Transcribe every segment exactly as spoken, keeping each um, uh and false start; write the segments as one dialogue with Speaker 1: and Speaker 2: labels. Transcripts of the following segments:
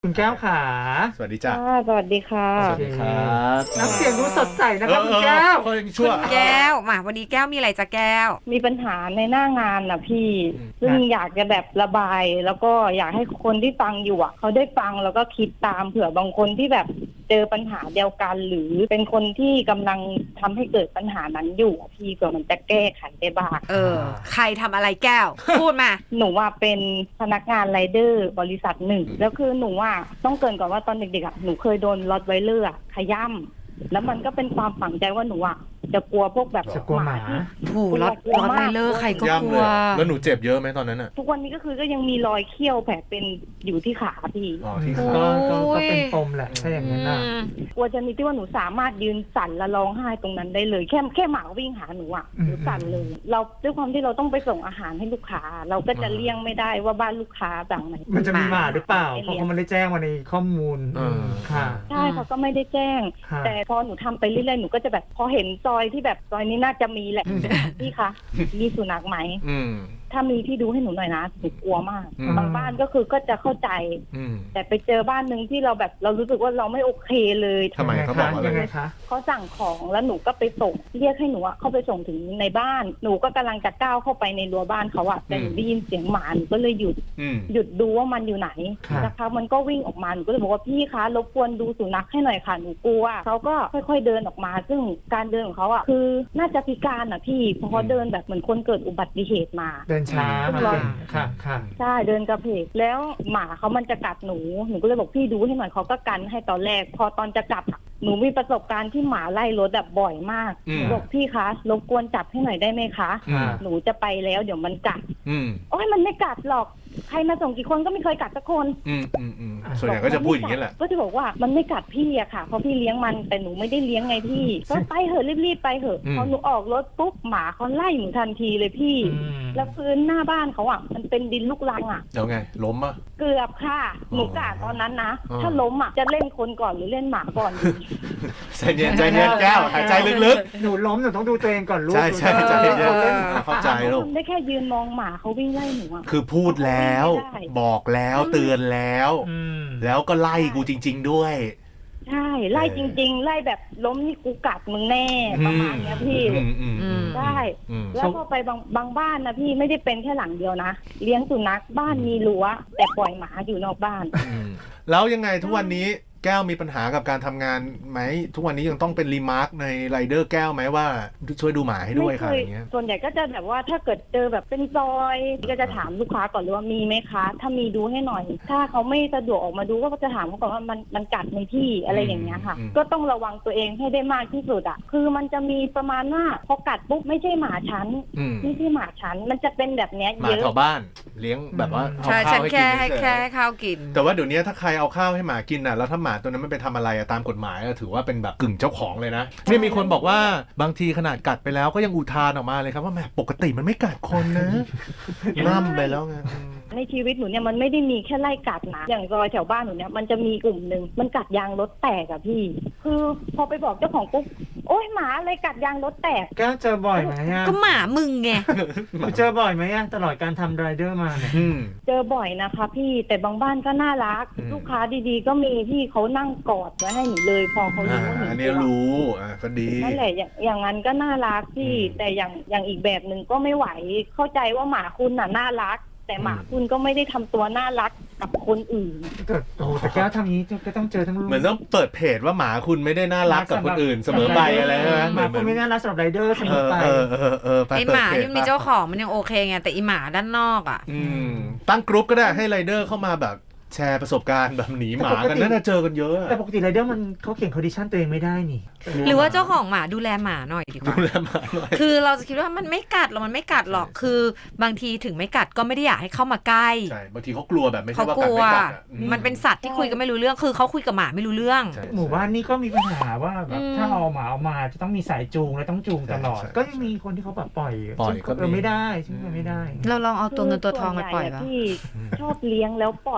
Speaker 1: คุณแก้วขา
Speaker 2: สวัสดีจ้า
Speaker 3: สวัสดีค่ะ
Speaker 2: สวัสดีครับ
Speaker 1: น้ำเสียงดูสดใสนะครับคุณแก้ว
Speaker 2: ชั่ว
Speaker 4: แก้วมาวันนี้แก้วมีอะไรจะแก้ว
Speaker 3: มีปัญหาในหน้างานนะพี่ซึ่งอยากจะแบบระบายแล้วก็อยากให้คนที่ฟังอยู่อ่ะเขาได้ฟังแล้วก็คิดตามเผื่อบางคนที่แบบเจอปัญหาเดียวกันหรือเป็นคนที่กำลังทำให้เกิดปัญหานั้นอยู่พี่เผื่อมันจะแก้ไขได้บ้าง
Speaker 4: เออใครทำอะไรแก้วพูดมา
Speaker 3: หนูว่าเป็นพนักงานไรเดอร์บริษัทหนึ่งแล้วคือหนูว่าต้องเกริ่นก่อนว่าตอนเด็กๆอ่ะหนูเคยโดนรถไวเลอร์ขย้ำแล้วมันก็เป็นความฝังใจว่าหนูอ่ะจะกลัวพวกแบบ
Speaker 1: จะกลัวหมา
Speaker 4: ถูกรถรถไวเลอร์ใครก็กลัว
Speaker 2: แล้วหนูเจ็บเยอะไหมตอนนั้นอ่ะ
Speaker 3: ทุกวันนี้ก็คือก็ยังมีรอยเขี้ยวแผลเป็นอยู่ที่ขาพี่
Speaker 2: อ๋อที่
Speaker 1: ขาก็เป็นปมแหละถ้าอย่างนั้นนะ
Speaker 3: กลัวจะมีที่ว่าหนูสามารถยืนสั่นและร้องไห้ตรงนั้นได้เลยแค่แค่หมาวิ่งหาหนูอ่ะหนูสั่นเลยเราด้วยความที่เราต้องไปส่งอาหารให้ลูกค้าเราก็จะเลี่ยงไม่ได้ว่าบ้านลูกค้าสั่งไหน
Speaker 1: มันจะมีหมาหรือเปล่าเพราะเขาไม่ได้แจ้งมาในข้อมูล
Speaker 3: ค่ะใช่เขาก็ไม่ได้แจ้งแต่พอหนูทำไปเรื่อยๆหนูก็จะแบบพอเห็นซอยที่แบบซอยนี้น่าจะมีแหละพี่คะมีสุนัขไหมถ้ามีพี่ดูให้หนูหน่อยนะหนูกลัวมากบางบ้านก็คือก็จะเข้าใจแต่ไปเจอบ้านนึงที่เราแบบเรารู้สึกว่าเราไม่โอเคเลย
Speaker 2: ทำไมเขาบอกอะไร
Speaker 1: คะ
Speaker 3: เขาสั่งของแล้วหนูก็ไปส่งเรียกให้หนูเข้าไปส่งถึงในบ้านหนูก็กำลังจะก้าวเข้าไปในรั้วบ้านเขาอะแต่หนูได้ยินเสียงหมาหนูก็เลยหยุดหยุดดูว่ามันอยู่ไหนนะคะมันก็วิ่งออกมาหนูก็เลยบอกว่าพี่คะรบกวนดูสุนัขให้หน่อยค่ะหนูกลัวเขาก็ค่อยๆเดินออกมาซึ่งการเดินของเขาอะคือน่าจะพิการอะพี่เพราะเขาเดินแบบเหมือนคนเกิดอุบัติเหตุมา
Speaker 1: เดินช้าค่ะค่ะ
Speaker 3: ใช่เดินกระเพกแล้วหมาเขามันจะกัดหนูหนูก็เลยบอกพี่ดูให้หน่อยเขาก็กันให้ตอนแรกพอตอนจะกลับหนูมีประสบการณ์ที่หมาไล่รถแบบบ่อยมากบอกพี่คะรบกวนจับให้หน่อยได้ไหมคะหนูจะไปแล้วเดี๋ยวมันกัดโอ้ยมันไม่กัดหรอกใครมาส่งกี่คนก็ไม่เคยกัดสักคน
Speaker 2: อืมอืมอืมส่วนใหญ่ก็จะพูดอย่างนี้แหละ
Speaker 3: ก็จะบอกว่ามันไม่กัดพี่อะค่ะเพราะพี่เลี้ยงมันแต่หนูไม่ได้เลี้ยงไงพี่ก็ไปเหอะรีบๆไปเหอะพอหนูออกรถปุ๊บหมาเขาไล่หนูทันทีเลยพี่แล้วพื้นหน้าบ้านเขาอะมันเป็นดินลูกรังอะ
Speaker 2: แล้วไงล้มอ่ะ
Speaker 3: เกือบค่ะหนูกะตอนนั้นนะถ้าล้มอะจะเล่นคนก่อนหรือเล่นหมาก่อน
Speaker 2: ใจเย็นใจเย็นแก้วหายใจลึก
Speaker 1: ๆหนูล้มหนูต้องดูตัวเองก่อนลูก
Speaker 2: ใช่ใช่ใจเย็นเข้าใจลูก
Speaker 3: ได้แค่ยืนมองหมาเขาวิ่งไล่หนูอะ
Speaker 2: คือพูดแล้วบอกแล้วเตือนแล้วแล้วก็ไล่กูจริงๆด้วย
Speaker 3: ใช่ไล่จริงๆไล่แบบล้มนี่กูกัดมึงแน่ประมาณนี้พี่ใช่แล้วพอไปบางบางบ้านนะพี่ไม่ได้เป็นแค่หลังเดียวนะเลี้ยงสุนัขบ้านมีรั้วแต่ปล่อยหมาอยู่นอกบ้าน
Speaker 2: แล้วยังไงทุกวันนี้แก้วมีปัญหากับการทำงานไหมทุกวันนี้ยังต้องเป็นรีมาร์คในไรเดอร์แก้วไหมว่าช่วยดูหมาให้ด้วยค่ะอย่างเงี้ย
Speaker 3: ส่วนใหญ่ก็จะแบบว่าถ้าเกิดเจอแบบเป็นซอยก็จะถามลูกค้าก่อนเลยว่ามีไหมคะถ้ามีดูให้หน่อยถ้าเขาไม่สะดวกออกมาดูก็จะถามเขาก่อนว่ามันมันกัดในที่อะไรอย่างเงี้ยค่ะก็ต้องระวังตัวเองให้ได้มากที่สุดอ่ะคือมันจะมีประมาณว่าพอกัดปุ๊บไม่ใช่หมาฉันไม่ใช่หมาฉันมันจะเป็นแบบเนี้ยเยอะ
Speaker 2: หมาแถวบ้านเลี้ยงแบบว่า
Speaker 4: เอาข้าวให้กินแค่ข้าวกิน
Speaker 2: แต่ว่าเดี๋ยวนี้ถ้าใครเอาข้าวให้หมากินอ่ะแล้วถ้าหมาตัวนั้นไม่ไปทำอะไรตามกฎหมายถือว่าเป็นแบบกึ่งเจ้าของเลยนะนี่มีคนบอกว่าบางทีขนาดกัดไปแล้วก็ยังอุทานออกมาเลยครับว่าแหมปกติมันไม่กัดคนนะล่ำไปแล้วไง
Speaker 3: ในชีวิตหนูเนี่ยมันไม่ได้มีแค่ไล่กัดนะอย่างซอยแถวบ้านหนูเนี่ยมันจะมีกลุ่มหนึ่งมันกัดยางรถแตกอะพี่คือพอไปบอกเจ้าของปุ๊บโอ๊ยหมาอะไรกัดยางรถแตก
Speaker 1: ก็เจอบ่อยไหมอะ
Speaker 4: ก็หมามึงไง
Speaker 1: เจอบ่อยไหมอะตลอดการทำไรเดอร์มาเนี่ย
Speaker 3: เจอบ่อยนะคะพี่แต่บางบ้านก็น่ารักลูกค้าดีๆก็มีพี่เขานั่งกอดไว้ให้หนูเลยพอเขารู้ว่าหนู
Speaker 2: อันนี้รู้อ่ะก็ดี
Speaker 3: นั่นแหละอย่างนั้นก็น่ารักพี่แต่อย่างอย่างอีกแบบหนึ่งก็ไม่ไหวเข้าใจว่าหมาคุณน่ะน่ารักแต่หมาคุณก็ไม่ได้ทำตัวน่ารักกับคนอื่น
Speaker 1: แต่โอ้แต่แก้วทำนี้ก็ต้องเจอทั้งลูก
Speaker 2: เหมือนต้องเปิดเพจว่าหมาคุณไม่ได้น่ารักกับคนอื่นเสมอไปอะไรใช่ไหม
Speaker 1: หมาคุณไม่น่ารักสำหรับไรเดอร์เสมอไป
Speaker 2: เออเออเออ
Speaker 4: ไอหมาที่มีเจ้าของมันยังโอเคไงแต่อีหมาด้านนอกอ่ะ
Speaker 2: ตั้งกรุ๊ปก็ได้ให้ไรเดอร์เข้ามาแบบแชร์ประสบการณ์แบบหนีหมากันน่าจะเจอกันเยอะ
Speaker 1: แต่ปกติไรเดอร์มันเขาเขียนคอนดิชั่นตัวเองไม่ได้นี่
Speaker 4: หรือว่าเจ้าของหมาดูแลหมาหน่อยดีกว่า
Speaker 2: ดูแลหมาหน่อย
Speaker 4: คือเราจะคิดว่ามันไม่กัดหรอกมันไม่กัดหรอกคือบางทีถึงไม่กัดก็ไม่ได้อยากให้เข้ามาใกล้
Speaker 2: ใช่บางทีเขากลัวแบบไม่ใช่ว่ากัดไม่กัด
Speaker 4: มันเป็นสัตว์ที่คุยกันไม่รู้เรื่องคือเขาคุยกับหมาไม่รู้เรื่อง
Speaker 1: หมู่บ้านนี้ก็มีปัญหาว่าแบบถ้าเอาหมาเอามาจะต้องมีสายจูงและต้องจูงตลอดก็ยังมีคนที่เขาแบบปล่อย
Speaker 2: ปล่อยก็
Speaker 1: ไม่ได้ซึ่งไม่ได้
Speaker 4: เราลองเอาตัวเงินตัวทองมาปล่อยป่ะ
Speaker 3: พี่ชอบเลี้ยงแล้วปล่อยให้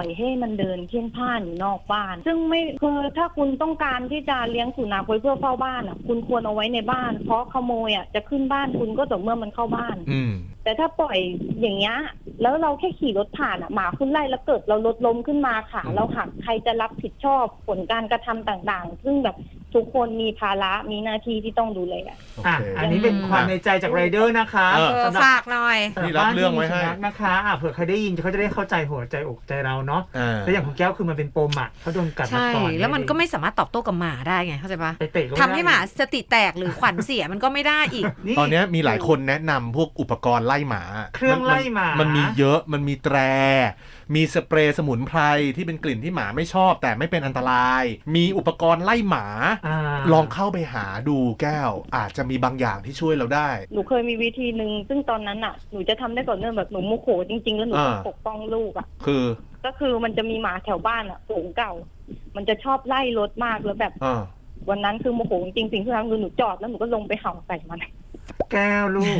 Speaker 3: มันเดินเพ่นพ่านอยู่นอกบ้าน ซึ่งไม่คือถ้าคุณต้องการที่จะเลี้ยงสุนัขไว้เพื่อเฝ้าบ้านอ่ะคุณควรเอาไว้ในบ้านเพราะขโมยอ่ะจะขึ้นบ้านคุณก็ต่อเมื่อมันเข้าบ้าน
Speaker 2: อืม
Speaker 3: แต่ถ้าปล่อยอย่างเงี้ยแล้วเราแค่ขี่รถผ่านอ่ะหมาคุณไล่แล้วเกิดเรารถล้มขึ้นมาค่ะเราหักใครจะรับผิดชอบผลการกระทำต่างๆซึ่งแบบทุกคนมีภาระมีหน้าที่ที่ต้องดูแลอ่ะ
Speaker 2: โอ
Speaker 1: อ่ะ
Speaker 2: เค
Speaker 1: อันนี้เป็นความในใจจากไรเดอร์นะคะ
Speaker 2: เออ
Speaker 4: เออ
Speaker 1: สำหรับ
Speaker 4: ฝากหน่อย
Speaker 1: สำห
Speaker 2: นี่รับเรื่องไว้ให้
Speaker 1: บ้านที่มีสุนัขนะคะอ่ะเผื่อใครได้ยินเขาจะได้เข้าใจหัวใจอกใจเราเนาะ
Speaker 2: อ่า
Speaker 1: แล้วอย่างของแก้วคือมันเป็นปมอ่ะเขาโดนกัดมา
Speaker 4: ใช่
Speaker 1: ก่อน
Speaker 4: แล้วมันก็ไม่สามารถตอบโต้กับหมาได้ไงเข้าใจปะ
Speaker 1: ไปเตะก็
Speaker 4: ทำให้หมาสติแตกหรือขวัญเสียมันก็ไม่ได้อีก
Speaker 2: ตอนนี้มีหลายคนแนะนำพวกอุปกรณ์ไล่หมา
Speaker 1: เครื่องไล่หมา
Speaker 2: มันมีเยอะมันมีแตร มีสเปรย์สมุนไพรที่เป็นกลิ่นที่หมาไม่ชอบแต่ไม่เป็นอันตราย มีอุปกรณ์ไล่หมา
Speaker 1: า
Speaker 2: ลองเข้าไปหาดูแก้ว อาจจะมีบางอย่างที่ช่วยเราได้
Speaker 3: หนูเคยมีวิธีหนึ่งซึ่งตอนนั้นอ่ะหนูจะทำได้ก่อนเนื่องแบบหนูโมโหจริงๆแล้วหนูต้อง
Speaker 2: อ่า
Speaker 3: ปกป้องลูกอ่ะ
Speaker 2: คือ
Speaker 3: ก็คือมันจะมีหมาแถวบ้านอ่ะฝูงเก่า มันจะชอบไล่รถมากแล้วแบบ
Speaker 2: อ่า
Speaker 3: วันนั้นคือโมโหจริงๆสิ่งที่ทำคือหนูจอดแล้วหนูก็ลงไปเห่าใส่มัน
Speaker 1: แก้วลูก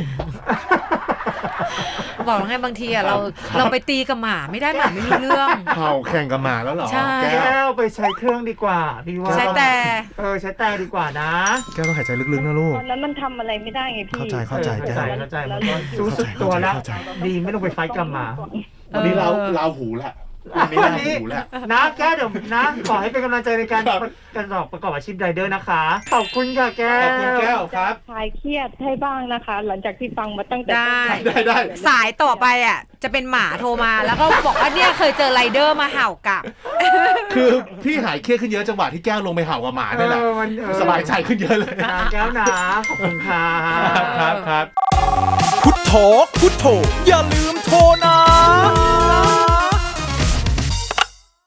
Speaker 4: บอกแล้วไงบางทีอะเราเราไปตีกับหมาไม่ได้หมาไม่รู้เรื่อง
Speaker 2: เห่าแข่งกับหมาแล้วเหรอ
Speaker 4: ใช่
Speaker 2: แก้
Speaker 1: แก้
Speaker 2: ว
Speaker 1: วไปใช้เครื่องดีกว่าพี่ว่า
Speaker 4: ใช่แต่
Speaker 1: เออใช้แต่ดีกว่านะ
Speaker 2: แก้วต้องหายใจลึกๆนะลูก
Speaker 3: ตอนนั้นมันทำอะไรไม่ได้ไงพี่
Speaker 2: เข้าใจเข้าใจ
Speaker 1: เออ
Speaker 2: แก้ว
Speaker 1: เข้าใจ
Speaker 3: แล้ว
Speaker 1: เข้าใจสู้สุดตัวแล้ว
Speaker 2: เข้าใจ
Speaker 1: ดีไม่ต้องไปไฟท์กับหมา
Speaker 2: วันนี้เรา
Speaker 4: เออ
Speaker 2: เราหูแหละวันนี้
Speaker 1: วั
Speaker 2: เรา
Speaker 1: นนี้
Speaker 2: หูแหละ
Speaker 1: นะแก้วเดี๋ยวนะ ขอให้เป็นกำลังใจในการ
Speaker 2: ครับ
Speaker 1: การสอบประกอบอาชีพไรเดอร์นะคะ ขอบคุณค่ะแก้
Speaker 2: ขอบคุณ
Speaker 1: ว
Speaker 2: แก้วครับ
Speaker 3: คลายเครียดให้บ้างนะคะ หลังจากที่ฟังมาตั้งแต่ต้น
Speaker 4: ได้
Speaker 2: ได้ได้
Speaker 4: สายต่อไปอ่ะจะเป็นหมาโทรมาแล้วก็บอกว่าเนี่ยเคยเจอไรเดอร์มาเห่ากลับ
Speaker 2: คือพี่หายเครียดขึ้นเยอะจังหวะที่แก้วลงไปเห่ากับหมานี่แหละ
Speaker 1: เออมันเออ
Speaker 2: สบายใจขึ้นเยอะเลย
Speaker 1: นะแก้วนะขอบคุณค่ะ
Speaker 2: ครับครับครับ
Speaker 5: พุทโธพุทโธอย่าลืมโทรนะ